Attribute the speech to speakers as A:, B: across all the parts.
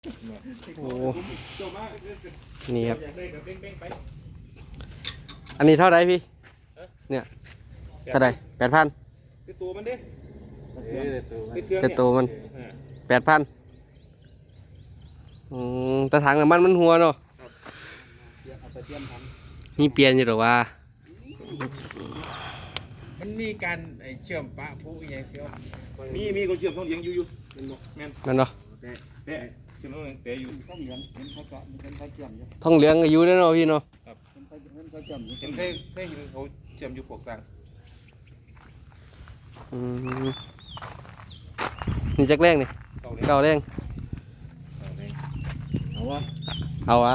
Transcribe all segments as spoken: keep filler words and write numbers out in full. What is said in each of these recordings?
A: โอ้นี่ครับอันนี้เท่าไรพี่เนี่ยเท่าไรแปดพัน
B: คือตัวมันดิ
A: แต่ตัวมันแปดพันแต่ถังน้ำมันมันหัวเนาะนี่เปลี่ยนอยู่หรอวะ
C: มันมีการเชื่อมปะผู้ยังเชื่อม
B: มีมีคนเชื่อมต้องเลี้ยงอยู่อยู่แม่น
A: นั่นเนาะ
B: แต่เชื่อมต้องแต่อยู่
C: ต้องเลี้ยงเห็นเขาเจาะเห็นเขาเชื่อมอยู่
A: ท่องเหลืองอายุได้เนาะพี่เนาะ
C: เห็นเขาเห็นเขาเชื่อมอยู่
B: เห็นเคยเคยเห็นเขาเชื่อมอยู่ปกกลาง
A: นี่จักแรงนี่เก่าแรง
C: เอาวะ
A: เอาอะ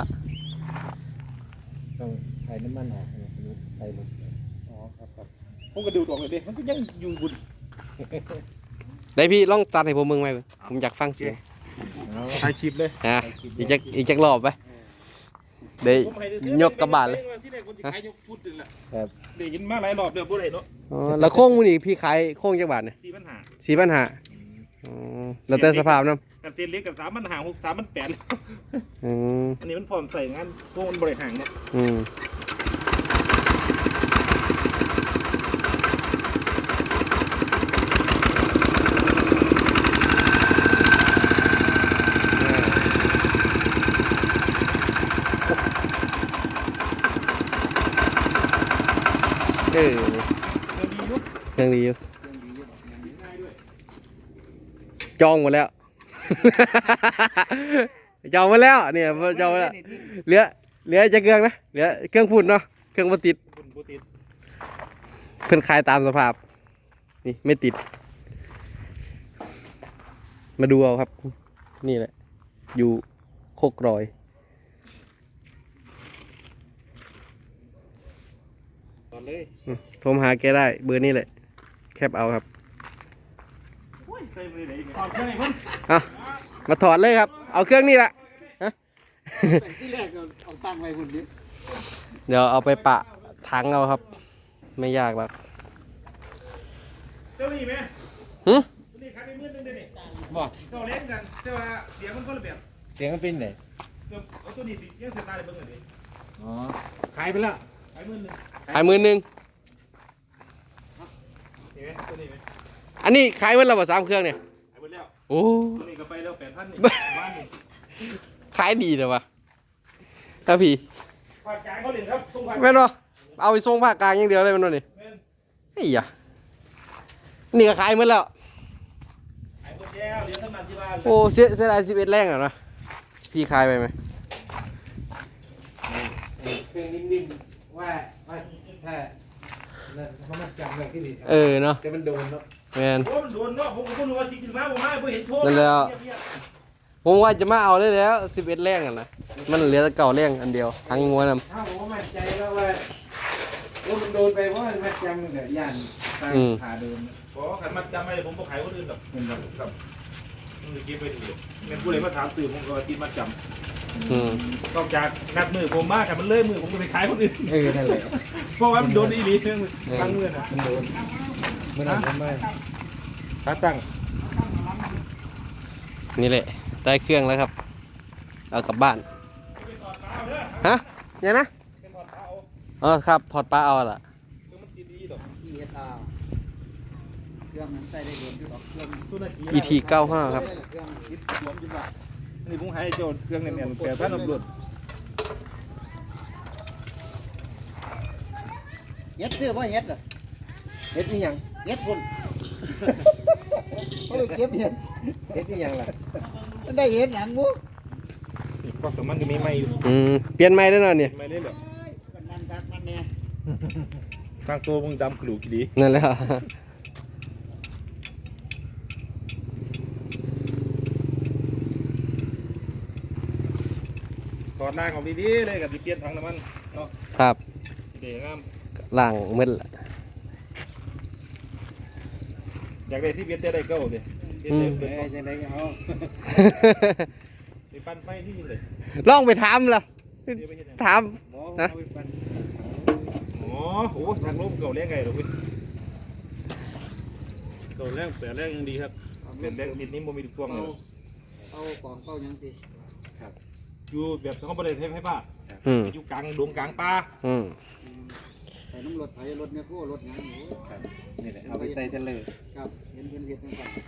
C: ต้องใส่น้ำมันออกใส่ลงอ๋อครับครับ
B: ผมก็ดูดออกเลยดิมันก็ยังอยู่บุญ
A: ได้พี่ลองตัดให้ผมมึงไหมผมอยากฟังเสียง
B: ถ่ายคลิปเลย
A: ฮะอีกจักอีกจักรอบไปเดี๋ยวยกกระบาดเลย
B: ครับเดี๋ยวยินมาหลายรอบเดี๋ยวพูดอะไรเนาะ
A: อ๋อแล้วโค้งมันอีกพี่ขายโค้งจักบาทเนี่ย
B: สี่ปัญหา
A: สี่ปัญหาอ๋อแล้วแต่สภาพเนาะ
B: กับเซนเล็กกับสามปัญหาหกสามปัญแปด
A: อืม
B: อันนี้มันพร้อมใส่งานพวกมันบริหารเนาะ
A: อืมเออเครื่องดีอยู่จองหมดแล้ว จองหมดแล้วเนี่ยจองหมดแล้วเหลือเหลือจะเครื่องนะเหลือเครื่องฝุ่นเนาะเครื่องบ่ติดเพิ่นขายตามสภาพนี่ไม่ติดมาดูเอาครับนี่แหละอยู่โคกรอยโทรมาหาแกได้เบอร์นี้แหละแคปเอาครับเอามาถอดเลยครับเอาเครื่องนี้ละ
C: ที่แรกเอาตั้งไว้คนนี้
A: เดี๋ยวเอาไปปะถังเอาครับไม่ยากหรอก
B: เจ้านี่ไหม
A: หืม
B: นี่ขายไปหมื่นนึงเดี๋ยวนี้
C: บ่
B: เจ้าเล่นกันแต่ว่าเสียงมันคนละแบบ
C: เสียงมันเป็นไง
B: เอาตัวนี้ยังเสียตาเลยเบิ่งเลย
C: อ๋อขายไปแล้ว
B: ขายหมื่นนึง
A: ขายหมื่นหนึ่ง
B: เห็นไหมตัวนี้ไหม
A: อันนี้ขายวันละบ่สามเครื่องเนี่ย
B: ขายหมดแล้ว
A: โอ้
B: ตัวนี้ก็ไปแล้วแปดพันนี่บ้านนี่
A: ขายดีเลยวะถ้าพี่
B: ภาคกลางเขาเล่นครับส่งภาค
A: แม่นบ่เอาไปส่งภาคกลางอย่างเดียวเลยมันนี่เฮ้ยอ่ะนี่ก็ขายหมดแล้ว
B: ขายหมดแล้วเดี๋ยวท่านมาที่บ้าน
A: โอ้เสียเสียดายสิบเอ็ดแรงอ่ะนะพี่ขายไปไหม
C: เครื่องนิ่มๆว่าว่าถ้าเขามาจำอะไรที่ดี
A: เออเนาะ
C: แต่มันโดนเนาะ
A: แมน
B: โอ้มันโดนเนาะผมก็รู้ว่าสิกินมาผมมาผมเห็นโทษ
A: นั่นแล้วผมว่าจะมาเอาได้แล้วสิบเอ็ดแรงอ่ะนะมันเหลือแต่เก่าแรงอันเดียวทั้งงัวนำ
C: ถ้าผมมั่นใจแล้วว่าว่ามันโดนไปเพราะมันจำแต่ยันตาขาโดน
B: เพราะขันมัดจำไม่ผมก็ขายคนอื่นหรอกเงินครับมึงจะเก็บไปดีเงินผู้ใดมาถามสื่อผมก็ติดมัดจำนอกจากนัดมือผมมากแต่มันเลื่อยมือผมจะไปขายคนอื่น
C: เออนั่นแหละ
B: เพราะว่ามันโดนอีลีเรื่องตั้งเงินอ่ะ
C: มันโดนมันโดนทำไม
B: ขาตั้ง
A: นี่แหละได้เครื่องแล้วครับเอากลับบ้านฮะยังนะเออครับถอดปลาเอาล่ะ
C: เครื่องมันใส่ได้เดือนที่บอกเครื่อง
A: อี ที เก้าห้าครับ
B: นี่ผมให้โจทย์เครื่องเนี่ยแปดพันตำรวจ
C: เฮ็ดซื้อบ่เฮ็ดเหรอเฮ็ดนี่ยังเฮ็ดพุ่นเฮ้ยเก็บเฮ็ดเฮ็ดนี่ยังล่ะมันได้เฮ็ดหยังบ่
B: ก็สมันก็มีไม้อยู่
A: อืมเปลี่ยนไม้ได้หน่อยเนี่ย
B: ไม้เล่นเหรอ
C: มันคักมันแน่
B: ทางตัวมึงดำขลุ่ยดี
A: นั่นแหละ
B: ถอดล่างออกดีๆเลยกับที่เปลี่ยนถังน้ำมันเนาะ
A: ครับ
B: เดี๋ยวงาม
A: ล่างมืด
B: อยากได้ที่เปลี่ยนจะได้เก้าเลย
C: เออจะได้เอา
B: ไปปั้นไฟที่เลย
A: ลองไปถามล่ะถามนะ
B: อ๋อโหทางลมเก่าแรงไงหรอพี่เก่าแรงแต่แรงยังดีครับเป็นแรงนิดนี้โมมีทุกช่วงเลย
C: เอากล่องเข้ายังสิ
B: อยู่แบบเขาบริเวณให้ป้า
A: อืม
B: อยู่กลางดงกลางป่า
A: อืม
C: ใส่น้ำรถไถรถเนี่ยคู่รถหยังอยู่
D: ครับนี่แหละเอาไปใส่เทเลอร์
C: ครับเห็นเพิ่นเฮ็ดจังซั่น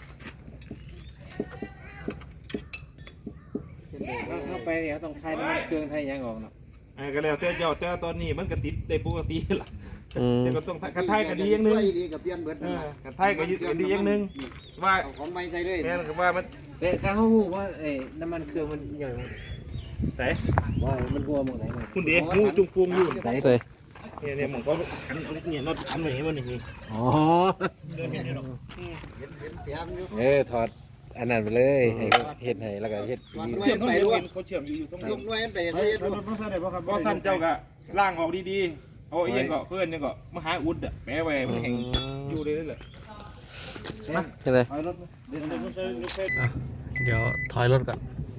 C: เป็นเด็ก
D: เข้าไปเนี่ยต้องคลายน้ำมันเครื่องไทยยังออกเนาะ
B: ไอ้ก็แล้วแต่เจ้าแต่ตอนนี้มันก็ติดได้ปกติล่ะ
A: อืม
B: แต่ก็ต้องกระไทยก็ดีอย่างหนึง
C: ดีกับเปลี่ยนเบิด
B: เอ
C: นั่น
B: อ
C: ล่ะ
B: กระไทยก็ดีอย่างหนึงว่า
C: เอาของใหม่ใส่เลย
B: แม่นก็ว่ามัน
D: แต่ถ้าเขาหูว่าเอ้น้ำมันเครื่องมันอย่าง
B: ใส่
D: ว่ามันหัวหมดไหนมา
B: คุณเด็กงูจุงฟูงอยู่
A: ใส่
B: เนี่ยเนี่ยหมองก็ขันเนี่ยน็อตขันไว้ให้มันนี่
D: อ๋อ
B: เดินเห็นเนี่ยหรอก
C: เห็นเห็นเสียมอยู่
D: เออถอดอันนั้นไปเลยให้เฮ็ดให้แล้วก็เฮ็ดสี
B: เชื่อมต้องเห็นเขาเชื่อมอยู่อยู่ตรง
C: ย
B: นี้
C: กหน่วยมันไปเขาเฮ็ดบ่
B: ก็สั้นเจ้าก็ล่างออกดีๆเอาไอ้ยังก็เพื่อนยังก็มาหาอุดอ่ะแปะไว้มันแห้งอยู่เลยนั่นแหละ
A: นี่เลย
D: ถอยรถเดี๋ยว
A: อ่ะเดี๋ยวถอยรถก่อน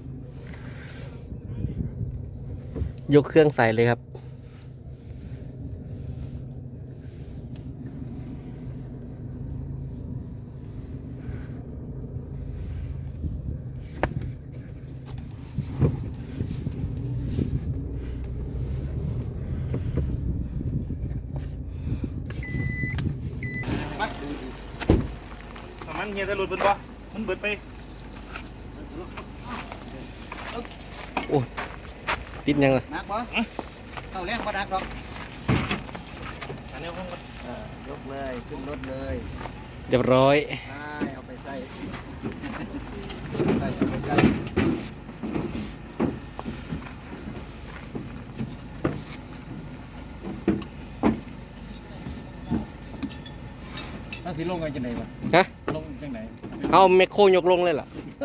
A: ยกเครื่องใส่เลยครับ
B: มาถ้ามันเฮียจะหลุดเบิดบ่มันเบิดไป
A: ติดยังล่ะ
C: หนักบ่เข้าแรงบ่หนักหรอก
B: อันนี้ห้อง
C: อ่ายกเลยขึ้นรถเลย
A: เรียบร้อย
C: ใช่เอาไปใส่ใส่เอาไปใส่
D: ถ้าสิลงกันจังไหนวะ
A: ฮะ
D: ลงจังไหน
A: เอาแมคโครยกลงเลยเหรอ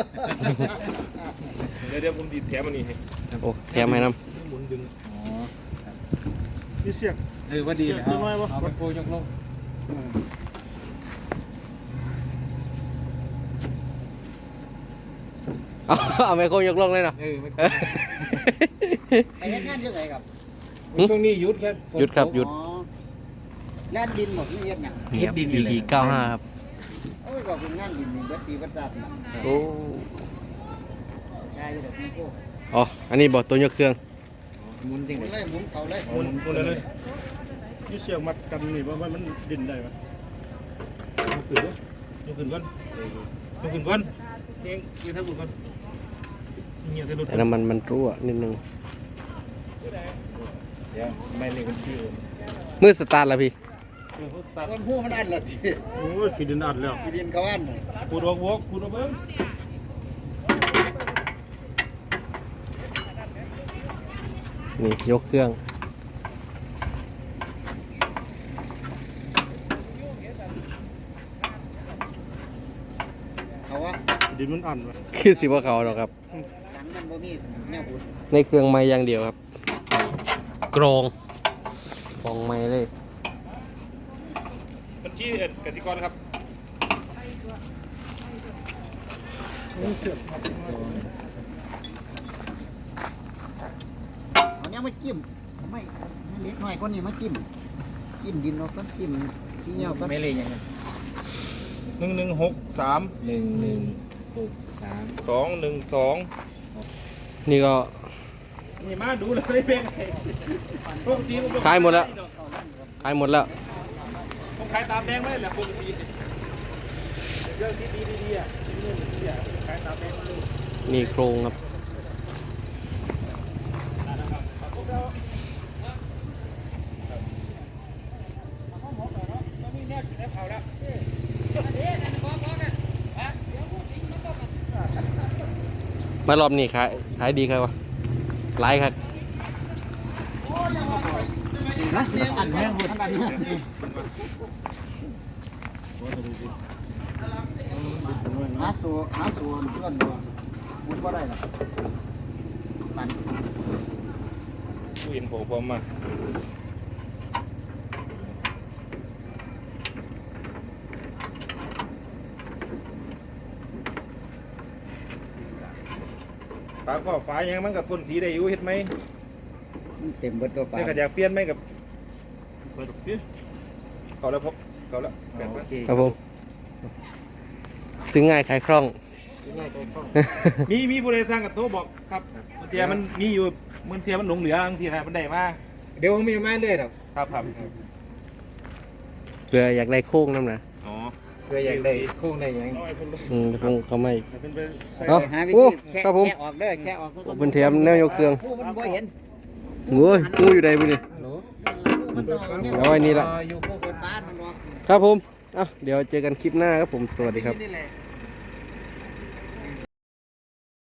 B: เดี๋ยวเดี๋ยวผมดีดแถมอันนี้ให้
A: โอ้แถมให้น้
B: หมุนดึง
D: อ๋อ
B: นี่เสียง
D: เออว่าดีเลยเอาเอาไปโพยกลง
A: ำเอาเอาแมคโครยกลงเลยเนาะ
D: เออไม่
A: เออ
C: ไปเฮ็ดงานเยอะไงครับ
D: ช่วงนี้หยุดครับฝน
A: หยุดครับหยุด
C: อ๋อแล่นดินบอกนี่เฮ็ดหยัง
A: นี่ครับ อี พี เก้าห้าครับ
C: โอ้ยบอกเป็นงานดินนี่เบิดปีเบิดชาติน่ะ
A: โอ้
C: ได้อยู่ดอกนี่โก้
A: อ๋อ อันนี้บอกตัวยกเครื่อง
D: หมุนจัง
C: ห
D: ไห
C: มุ
D: น
C: นเลยหมุนเขาเลย
B: หมุนหมุนเลยเลย
E: ยี่เสียงมัดกันนี่ว่ามันดินได้ปะ
B: ยกขึ้นด้วยยกขึ้นก่อนยกขึ้นก่อนเองยืนทับก่อนเงี้ยจะหลุด
A: แต่น้ำมันมันรั่วนิดนึง
D: เดี๋ยวไม่เลยมันชื่อ
A: มือสตาร์ทแล้วพี่
B: ตัด
C: ต้นหู้มันอันละที
E: โอ้ยสีดินอัดแล้ว
C: ที่ดินเขาอันน่ะ
B: ขูดออกวอกขูดออกเบิ้ง
A: นี่ยกเครื่อง
C: เขาว่า
E: สีดินมันอัดปะ
A: คือสิว่าเขาหรอกครับ
C: หลังมันบ่มีแนวบุญ
A: ในเครื่องไม้อย่างเดียวครับ กรองกรองไม้เลย
B: บัญชีกสิกรครับ
C: เอาเนี้ยมาจิ้มไม่ไม่เล็กหน่อยคนนี้มาจิ้มจิ้มดินเราก็จิ้มที่เงี้ยวก็
D: ไม่เลยยังไง
B: หนึ่งหนึ่งหกสาม
D: หนึ่งหนึ่งหกสาม
B: สองหนึ่งสอง
A: นี่ก็
B: นี่มาดูเลยเป็นไงปกติผม
A: ขายหมดแล้ว ขายหมดแล้ว
B: ผมขายตามแดงไม่แหละปกติเรื่องที่ดีดีๆอ่ะเรื่องที่อ่ะขายตามแดงมาเลย
A: นี่โครงครับ มารอบนี้ขายขายดีครับวะหลายครับ
C: นะอันแห้งหมดอันนี้หาสูหาสูเพื่อนตัวมุดก็ได้หรอกตัน
B: ผู้เห็นผมผมมาฝาก็ฝายังมันกับพ่นสีได้อยู่เห็นไหม
C: เต็มเบิดตัวปลา
B: นี่ก็อยากเปลี่ยนไหมกับเปิดเปลี่ยนเขาแล้วพบเขาแล้วแปดพัน
D: โอเค
A: ครับผม ซื้อง่ายขายคล่อง
C: ง่ายใจคล่อง
B: มีมีผู้ใดสร้างกับโทรบอกครับบางทีมันมีอยู่บางทีมันหลงเหลือบางทีนะมันได้มา
D: เดี๋ยวผมมีมาเรื่อยดอก
B: ครับครับ
A: เผื่ออยากได้โค้งน้ำนะ
B: อ๋อ
D: เพื่ออยากได้โค้งได้หยัง
A: อืมคงเขาไม่
E: เป็นไปใส่
A: เอ้า
C: หาวิ
A: โอ้
C: ธีแค่
A: ครับผม
C: แค่ออกเด้อแค่ออก
A: เป็นเทียมแนวยกเครื่อง
C: ผู้มันบ่เห็น
A: โอ้ยงูอยู่ใดบุนี่
D: ฮัลโหล
C: มันต้องเอาเนี่ย
A: เอาไว้นี่ละ
D: อยู่โค้ง
C: เปิดฟ้ามันออก
A: ครับผมอ่ะเดี๋ยวเจอกันคลิปหน้าครับผม สวัสดีครับ
D: นี่แหละ